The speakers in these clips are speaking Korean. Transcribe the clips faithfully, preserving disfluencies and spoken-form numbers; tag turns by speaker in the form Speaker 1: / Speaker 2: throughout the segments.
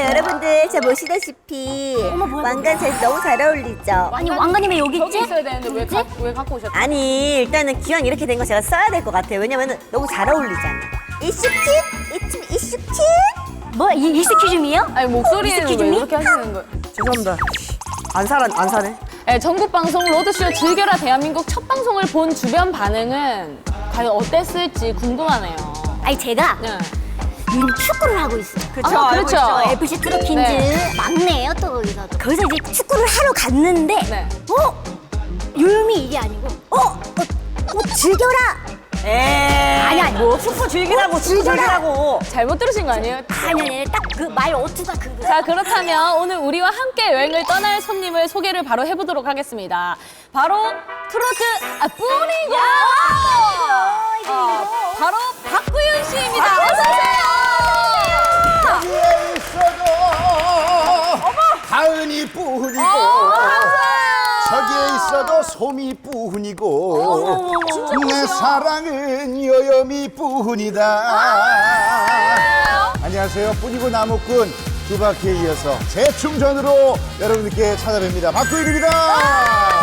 Speaker 1: 여러분들 저 보시다시피 왕관 잘 너무 잘 어울리죠?
Speaker 2: 아니 왕관이 왜 여기
Speaker 3: 저기
Speaker 2: 있지?
Speaker 3: 있어야 되는데 왜, 가, 왜 갖고 오셨죠?
Speaker 1: 아니 일단은 기왕 이렇게 된 거 제가 써야 될 것 같아요. 왜냐면 너무 잘 어울리잖아. 이슈킷? 이춤 이슈킷?
Speaker 2: 뭐 이, 이스큐즈미요?
Speaker 3: 아니 목소리는 왜
Speaker 2: 이스큐즈미?
Speaker 3: 이렇게 하시는 거예요?
Speaker 1: 죄송합니다. 안 살아 안 사네.
Speaker 3: 네, 전국 방송 로드쇼 즐겨라 대한민국 첫 방송을 본 주변 반응은 과연 어땠을지 궁금하네요.
Speaker 2: 아니 제가
Speaker 3: 네.
Speaker 2: 요즘 축구를 하고 있어요.
Speaker 1: 그쵸,
Speaker 3: 아,
Speaker 1: 알고
Speaker 3: 그렇죠.
Speaker 1: 있죠.
Speaker 2: 에프씨 트로킨즈
Speaker 3: 네.
Speaker 2: 막내예요 또 거기서. 거기서 이제 축구를 하러 갔는데
Speaker 3: 네.
Speaker 2: 어? 요요미 이게 아니고 어? 어, 어 즐겨라!
Speaker 1: 에이.
Speaker 2: 아니 아니
Speaker 1: 뭐 축구 즐기라고 축구 즐기라고.
Speaker 3: 잘못 들으신 거 아니에요?
Speaker 2: 아니 아니 딱 그 말 어투가 그거.
Speaker 3: 자, 그렇다면 오늘 우리와 함께 여행을 떠날 손님을 소개를 바로 해보도록 하겠습니다. 바로 트로트 아, 뿌리고 어, 바로 박구윤 씨입니다. 어서 오세요.
Speaker 4: 여기에 있어도 가은이 뿐이고 저기에 있어도 솜이 뿐이고 내 사랑은 여염이 뿐이다. 안녕하세요. 뿐이고 나무꾼 두 바퀴에 이어서 재충전으로 여러분들께 찾아뵙니다. 박구윤입니다.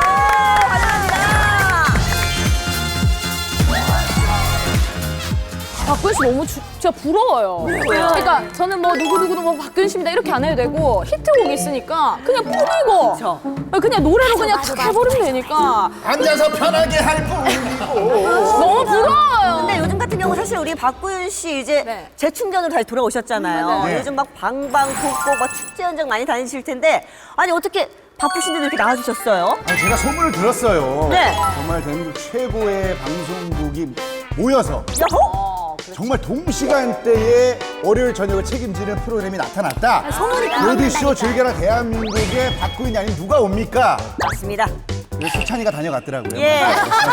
Speaker 3: 박구윤 씨 너무 주, 진짜 부러워요. 그러니까 저는 뭐 누구누구도 뭐 박구윤 씨입니다 이렇게 안 해도 되고 히트곡이 있으니까 그냥 뿌리고
Speaker 1: 그쵸.
Speaker 3: 그냥 노래로 그냥
Speaker 2: 맞아,
Speaker 3: 탁
Speaker 2: 맞아.
Speaker 3: 해버리면 되니까
Speaker 4: 앉아서 편하게 할 뿐이고
Speaker 3: 너무 부러워요.
Speaker 1: 근데 요즘 같은 경우 사실 우리 박구윤 씨 이제
Speaker 3: 네.
Speaker 1: 재충전으로 다시 돌아오셨잖아요.
Speaker 4: 네.
Speaker 1: 요즘 막 방방 곡곡 막 축제 현장 많이 다니실 텐데 아니 어떻게 바쁘신데도 이렇게 나와주셨어요?
Speaker 4: 아, 제가 소문을 들었어요.
Speaker 1: 네.
Speaker 4: 정말 대한민국 최고의 방송국이 모여서
Speaker 1: 야호?
Speaker 4: 정말 동시간대에 월요일 저녁을 책임지는 프로그램이 나타났다.
Speaker 2: 소문이
Speaker 4: 로드쇼
Speaker 2: 나온다니까.
Speaker 4: 즐겨라 대한민국에 박구윤이 아닌 누가 옵니까?
Speaker 1: 맞습니다.
Speaker 4: 그래서 수찬이가 다녀갔더라고요.
Speaker 1: 예.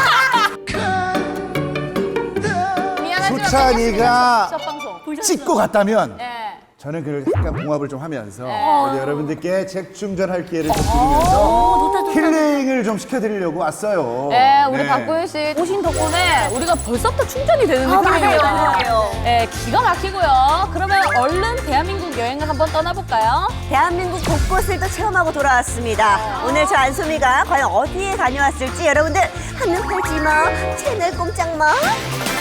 Speaker 3: 미안하지만
Speaker 4: 수찬이가
Speaker 3: 첫 방송.
Speaker 4: 찍고 갔다면
Speaker 3: 네.
Speaker 4: 저는 그 약간 봉합을 좀 하면서
Speaker 3: 네.
Speaker 4: 우리 여러분들께 재충전할 기회를 좀 드리면서 힐링을 좀 시켜드리려고 왔어요.
Speaker 3: 네, 우리
Speaker 4: 네.
Speaker 3: 박구윤 씨 오신 덕분에 우리가 벌써부터 충전이 되는
Speaker 1: 아,
Speaker 3: 느낌이에요.
Speaker 1: 맞아요, 맞아요.
Speaker 3: 네, 기가 막히고요. 그러면 얼른 대한민국 여행을 한번 떠나볼까요?
Speaker 1: 대한민국 곳곳을 또 체험하고 돌아왔습니다. 오늘 저 안소미가 과연 어디에 다녀왔을지 여러분들 한눈 팔지 마, 채널 꼼짝 마.